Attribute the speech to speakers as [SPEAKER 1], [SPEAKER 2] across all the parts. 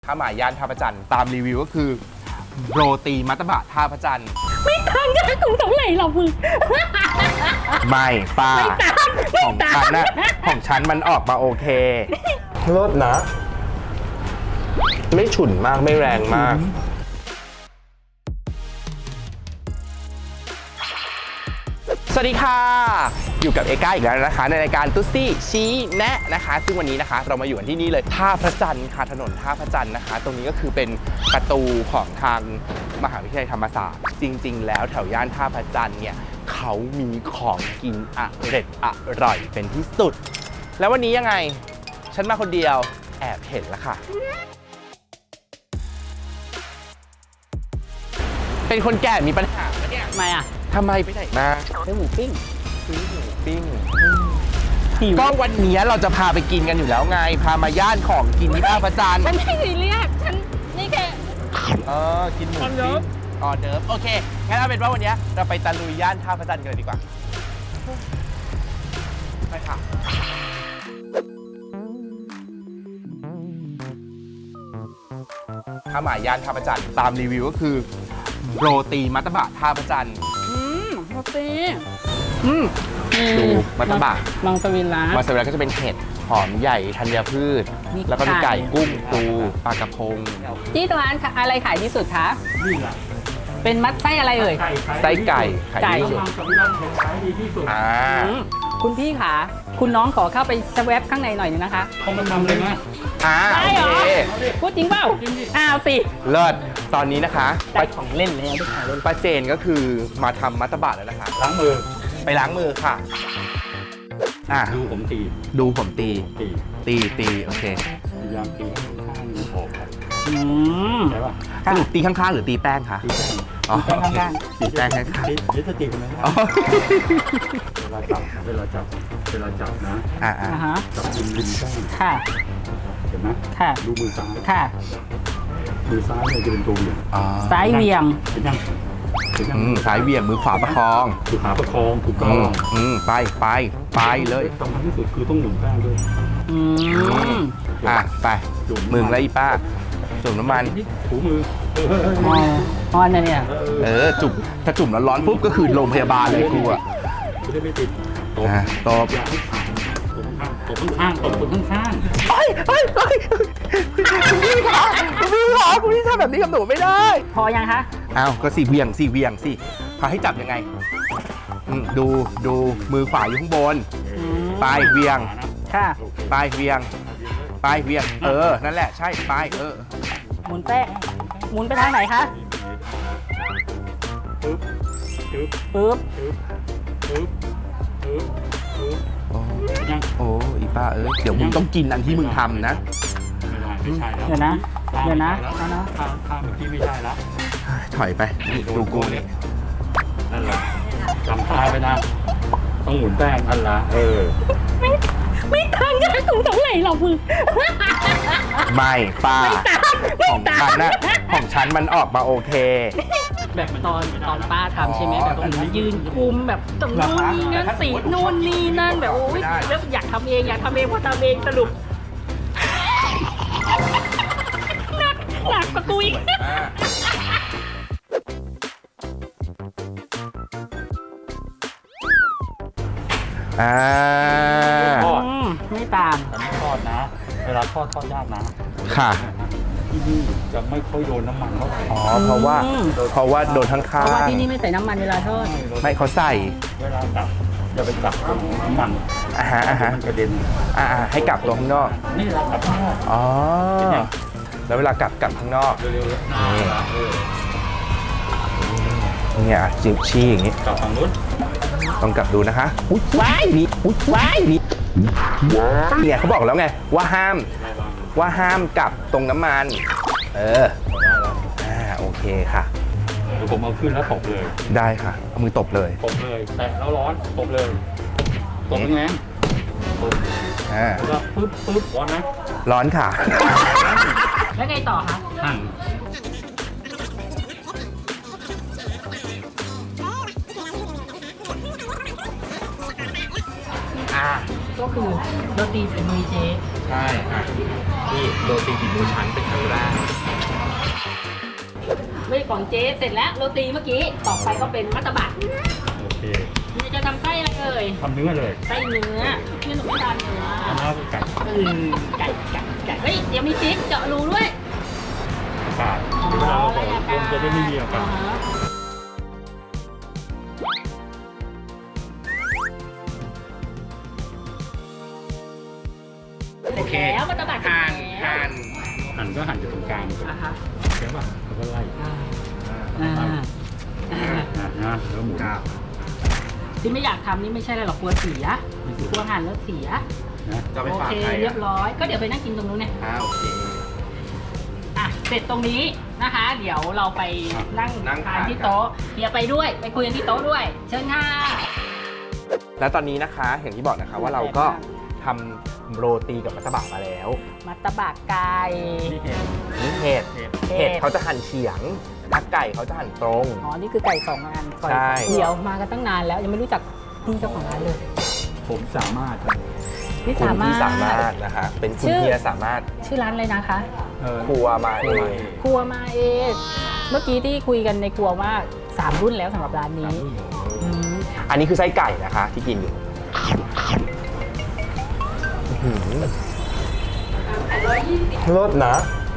[SPEAKER 1] ข้าวหมายย่านท่าพระจันทร์ตามรีวิวก็คือโรตีมัตตบะท่าพระจันทร์
[SPEAKER 2] ไม่ทันกันของเท่าไหร่หรอมึง
[SPEAKER 1] ไม่ป้าของฉันนะของฉันมันออกมาโอเครสนะไม่ฉุนมากไม่แรงมากสวัสดีค่ะอยู่กับเอก้าอีกแล้วนะคะในรายการตุ๊ซี่ชี้แนะนะคะซึ่งวันนี้นะคะเรามาอยู่กันที่นี่เลยท่าพระจันทร์ค่ะถนนท่าพระจันทร์นะคะตรงนี้ก็คือเป็นประตูของทางมหาวิทยาลัยธรรมศาสตร์จริงๆแล้วแถวย่านท่าพระจันทร์เนี่ยเขามีของกินอร่อยเป็นที่สุดแล้ววันนี้ยังไงฉันมาคนเดียวแอบเห็นแล้วค่ะเป็นคนแก่มีปัญหาปะเนี่ยทำไมไปไหนมาซื้อหมูปิ้งก็วันนี้เราจะพาไปกินกันอยู่แล้วไงพามาย่านของกินที่ท่าพระจันทร์
[SPEAKER 2] ฉันไม่ซีเรียสฉันนี่แค่
[SPEAKER 1] กินหมูปิ้งออเดิร์ฟโอเคงั้นเอาเป็นว่าวันนี้เราไปตะลุยย่านท่าพระจันทร์กันเลยดีกว่าไปค่ะข้าวหมายย่านท่าพระจันทร์ตามรีวิวก็คือโรตีมัตตบะท่าพระจันทร์
[SPEAKER 2] โรตี
[SPEAKER 1] ดูมัตตบะ
[SPEAKER 2] มังสวิรัติ
[SPEAKER 1] มังสวิรัติก็จะเป็นเห็ดหอมใหญ่ธัญพืชแล้วก็มีไก่กุ้งปูปลากระพง
[SPEAKER 2] ที่ร้านอะไรขายที่สุดคะเป็นมัดไส้อะไรเอ่ย
[SPEAKER 1] ไส้ไก่ขายที่สุด
[SPEAKER 2] คุณพี่คะคุณน้องขอเข้าไปสแวปข้างในหน่อยนึงนะคะ
[SPEAKER 3] เขามาทำเลยนะ
[SPEAKER 2] ได้เหรอพูดจริงเปล่าสิ
[SPEAKER 1] เลิศตอนนี้นะคะ
[SPEAKER 2] ได้ของเล่นแล้ว
[SPEAKER 1] ป้าเจนก็คือมาทำมัตตบะแล้วนะคะ
[SPEAKER 3] ล้างมือ
[SPEAKER 1] ไปล้างมือค่ะ
[SPEAKER 3] ดูผมตี
[SPEAKER 1] โอเค
[SPEAKER 3] พยายามตีข้างๆออกใช่ป่ะ
[SPEAKER 1] สรุปตีข้างๆหรือตีแป้งคะ
[SPEAKER 2] ข้าง
[SPEAKER 1] ตีแป้งข้าง
[SPEAKER 3] ๆนี่จะตีกันไหมเวลาจับนะจับริมแป้ง
[SPEAKER 2] ค่ะ
[SPEAKER 3] เห็นไหมดูมือซ้าย
[SPEAKER 2] ค่ะ
[SPEAKER 3] มือซ้ายเนี่ยจะเป็นตัวเหวี่ยง
[SPEAKER 2] ซ้ายเหวี่ยง
[SPEAKER 1] ซ้ายเหวี่ยงมือขวาประคอง
[SPEAKER 3] ถูกต้อง
[SPEAKER 1] ไปเลย
[SPEAKER 3] สำคัญที่สุดคือต้องหมุนแป้งด้วย
[SPEAKER 1] ไปมึงแล้วอีป้าจุ่มน้ำมัน
[SPEAKER 3] ถูมือ
[SPEAKER 2] เนี่ย
[SPEAKER 1] จุ่มถ้าจุ่มแล้วร้อนปุ๊บก็คือโรงพยาบาลเลยกูอ่ะ
[SPEAKER 3] จะได้ไม่ติด
[SPEAKER 1] ตบ
[SPEAKER 3] ข้างคุณพี่
[SPEAKER 1] ทำแบบนี้กับหนูไม่ได้
[SPEAKER 2] พอยังคะ
[SPEAKER 1] ก็สี่เวียงสิพาให้จับยังไงดูมือขวาอยู่ข้างบนปลายเวียง
[SPEAKER 2] ค่ะ
[SPEAKER 1] ปลายเวียงนั่นแหละใช่ปลาย
[SPEAKER 2] หมุนแป้งหมุนไปทางไหนคะปึ๊บ
[SPEAKER 1] โอ้อีป้าเดี๋ยวมึงต้องกินอันที่มึงทำนะ
[SPEAKER 3] ไม่ใช่แล้ว
[SPEAKER 2] เดี๋ยวนะ
[SPEAKER 3] ข้างเมื่อกี้ไม่ใช่แล้ว
[SPEAKER 1] ถอยไปดูกูนี่
[SPEAKER 3] นั่นแหละจำท่าไปนะต้องหมุนแป้งนั่นละ
[SPEAKER 2] ไม่ทันกันของเท่าไหร่หรอมึง
[SPEAKER 1] ไม่ป้าของฉันนะของฉันมันออกมาโอเค
[SPEAKER 2] แบบตอนป้าทำใช่ไหมแบบยืนคุมแบบตรงนู้นนี่นั่นสีนู่นนี่นั่นแบบโอ้ยแล้วอยากทำเองพอทำเองสรุปหนักกว่ากูอีกไม่ตาม
[SPEAKER 3] แต่ไม่ทอดนะเวลาทอดยากนะ
[SPEAKER 1] ค่ะ
[SPEAKER 3] ที่นี่จะไม่ค่อยโดนน้ำมันเท่าไหร่
[SPEAKER 1] เพราะว่าโดนข้างๆ
[SPEAKER 2] เพราะว่าที่นี่ไม่ใส่น้ำมันเวลาทอด
[SPEAKER 1] ไม่เขาใส่
[SPEAKER 3] เวลาจับจะไปจับตรงน้ำมันมันกระเด็น
[SPEAKER 1] ให้กลับตรงข้างนอก
[SPEAKER 3] นี่เรากลับข้างนอก
[SPEAKER 1] แล้วเวลากลับข้างนอกเนี่ยจิ้มชี้อย่างนี้
[SPEAKER 3] กลับฝั่งนู้น
[SPEAKER 1] ต้องกลับดูนะคะว้ายนี่เนี่ยเขาบอกแล้วไงว่าห้ามกลับตรงน้ำมันโอเคค่ะ
[SPEAKER 3] เดี๋ยวผมเอาขึ้นแล้วตบเลย
[SPEAKER 1] ได้ค่ะเอามือตบเลย
[SPEAKER 3] แตะแล้วร้อนตบเลยตบยังไงแล้วก็ปึ๊บร้อนไหม
[SPEAKER 1] ร้อนค่ะ
[SPEAKER 2] แล้วไงต่อคะก็คือโรตีฝีมือเจ๊
[SPEAKER 1] ใช่อ่ะนี่โรตีฝีมือฉันเป็นครั้งแรก
[SPEAKER 2] ไม่ของเจ๊เสร็จแล้วโรตีเมื่อกี้ต่อไปก็เป็นมัตตบะ
[SPEAKER 3] โอเค
[SPEAKER 2] นี่จะทำไส้อะไรเอ่ย
[SPEAKER 3] ทำเนื้อเลย
[SPEAKER 2] ไส้เนื้อนี่หนูไม่ทานเนื้อ
[SPEAKER 3] ทำแล้วก็ไก่
[SPEAKER 2] ไก่เฮ้ยเดี๋ยวมีพริกเจาะรูด้วย
[SPEAKER 3] อากาศเวลาเราบอกลมจะได้ไม่มีอากาศ
[SPEAKER 2] โอเคแล้วมัตตบะ
[SPEAKER 1] หั่น
[SPEAKER 2] แล้ว
[SPEAKER 1] หั่น
[SPEAKER 3] หั่นก็หั่นจากตรงกลาง
[SPEAKER 2] อ่ะฮะ
[SPEAKER 3] ใช่ป่ะแล้วก็ไล่
[SPEAKER 2] อ่า
[SPEAKER 3] นะแล้วหมู
[SPEAKER 2] ที่ไม่อยากทำนี่ไม่ใช่อะไรหรอกกลัวเสียกลัวหั่นแล้วเสีย
[SPEAKER 3] นะ
[SPEAKER 1] จะไป
[SPEAKER 2] โอ
[SPEAKER 1] ฝาก
[SPEAKER 2] เค
[SPEAKER 1] ใคร
[SPEAKER 2] เรียบร้อยก็เดี๋ยวไปนั่งกินตรงนู้นเนี่ย
[SPEAKER 1] โอเค
[SPEAKER 2] อ่ะเสร็จตรงนี้นะคะ เดี๋ยวเราไปนั่ง
[SPEAKER 1] นั่ง
[SPEAKER 2] ทาน
[SPEAKER 1] ทาน
[SPEAKER 2] ที่โต๊ะเฮียไปด้วยไปคุยกันที่โต๊ะด้วย เชิญค่ะ
[SPEAKER 1] และตอนนี้นะคะอย่างที่บอกนะคะว่าเราก็ทำโรตีกับมัตตบะมาแล้ว
[SPEAKER 2] มัตตบะไก่
[SPEAKER 3] นี่เห็น
[SPEAKER 1] นี่เห็ด
[SPEAKER 2] เห็ด
[SPEAKER 1] เห็ดเขาจะหั่นเฉียงถ้าไก่เขาจะหั่นตรง
[SPEAKER 2] อ๋อนี่คือไก่2 อัน
[SPEAKER 1] ใช่
[SPEAKER 2] เดี๋ยวมากันตั้งนานแล้วยังไม่รู้จักพี่เจ้าของร้านเลย
[SPEAKER 3] ผมสามารถ
[SPEAKER 2] พี่
[SPEAKER 1] คุณ
[SPEAKER 2] สามาร
[SPEAKER 1] ที่
[SPEAKER 2] ถ
[SPEAKER 1] สามารถนะคะเป็นคุณ
[SPEAKER 2] ชื่อ
[SPEAKER 1] เฮียสามารถ
[SPEAKER 2] ชื่อร้านอะไรนะคะ
[SPEAKER 1] ครัวมาเอง
[SPEAKER 2] ครัวมาเองเมื่อกี้ที่คุยกันในครัวว่า3 รุ่นแล้วสำหรับร้านนี้อืม
[SPEAKER 1] อันนี้คือไส้ไก่นะคะที่กินอยู่อื้อหือรสนะ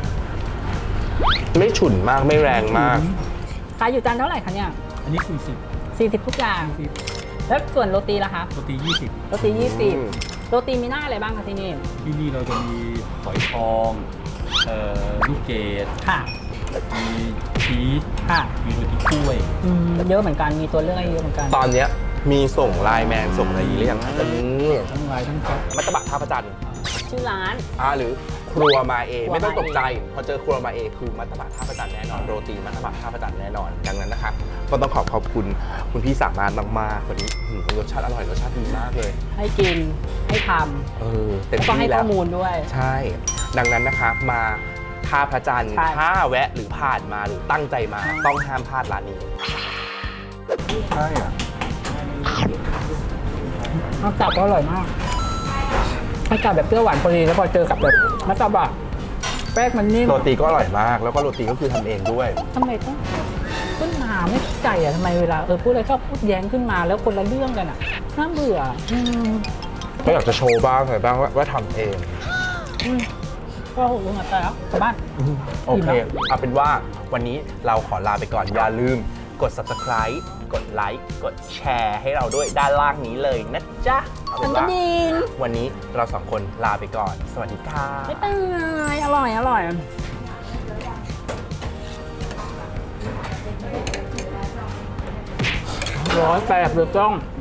[SPEAKER 1] ไม่ฉุนมากไม่แรงมาก
[SPEAKER 2] ขายอยู่จานเท่าไหร่คะเนี่ย
[SPEAKER 3] อันนี้
[SPEAKER 2] 40 ทุกอย่าง แล้วส่วนโรตีล่ะคะ
[SPEAKER 3] 40โรตี
[SPEAKER 2] โรตี 20 โรตีมีหน้าอะไรบ้างคะที่นี่
[SPEAKER 3] 20ที่นี่เราจะมีฝอยทอง ลูกเกด
[SPEAKER 2] ค่ะ
[SPEAKER 3] มีชีส
[SPEAKER 2] ค่ะ
[SPEAKER 3] มีโรตีกล้วย
[SPEAKER 2] เยอะเหมือนกัน มีตัวเลือกให้เยอะเหมือนกัน
[SPEAKER 1] ตอนเนี้ยมีส่งไลน์แมนส่งอะไรหรือยังคะ
[SPEAKER 3] ทั้งลายทั้งซอส
[SPEAKER 1] มัตตบะท่าพระจันทร์
[SPEAKER 2] ชื่อร้าน
[SPEAKER 1] หรือครัวมาเอ
[SPEAKER 2] ครัวมาเอ
[SPEAKER 1] ไม่ต้องตกใจ พอเจอครัวมาเอคือมัตตบะท่าพระจันทร์แน่นอนโรตีมัตตบะท่าพระจันทร์แน่นอนดังนั้นนะคะก็ต้องขอบคุณคุณพี่สามารถมากๆวันนี้รสชาติอร่อยรสชาติดีมากเลย
[SPEAKER 2] ให้กิน ให้ท
[SPEAKER 1] เต็
[SPEAKER 2] ำ
[SPEAKER 1] ม
[SPEAKER 2] แล้วก็ให้
[SPEAKER 1] ที่แล้
[SPEAKER 2] ข้
[SPEAKER 1] ว
[SPEAKER 2] อมูลด้วย
[SPEAKER 1] ใช่ ดังนั้นนะคะมาท่าพระจันทร์
[SPEAKER 2] ใช่
[SPEAKER 1] ถ้าแวะหรือผ่านมาหรือตั้งใจมาต้องห้ามพลาดร้านนี้
[SPEAKER 3] ใช่อ่ะ
[SPEAKER 2] น้ำจับก็อร่อยมากให้จับแบบเปรี้ยวหวานพอดีแล้วพอเจอกับแบบมัตตบะแป้งมันนิ่ม
[SPEAKER 1] โรตีก็อร่อยมาก แล้วก็โรตีก็คือทำเองด้วย
[SPEAKER 2] ทำไมต้องขึ้นมาไม่เข้าใจอ่ะทำไมเวลาพูดอะไรชอบพูดแย้งขึ้นมาแล้วคนละเรื่องกันอ่ะน่าเบื่อ
[SPEAKER 1] ก็อยากจะโชว์บ้างอะไรบ้างว่าทำเอง
[SPEAKER 2] ก็โหลงมาแล้วกลับบ้าน
[SPEAKER 1] โอเค เอาเป็นว่าวันนี้เราขอลาไปก่อน อย่าลืมกด subscribe กดไลค์กดแชร์ให้เราด้วยด้านล่างนี้เลยนะจ๊ะเอาเป็นว่า วันนี้เราสองคนลาไปก่อน สวัสดีค่ะ
[SPEAKER 2] บ๊ายบายอร่อย อร่อย108เลยต้อง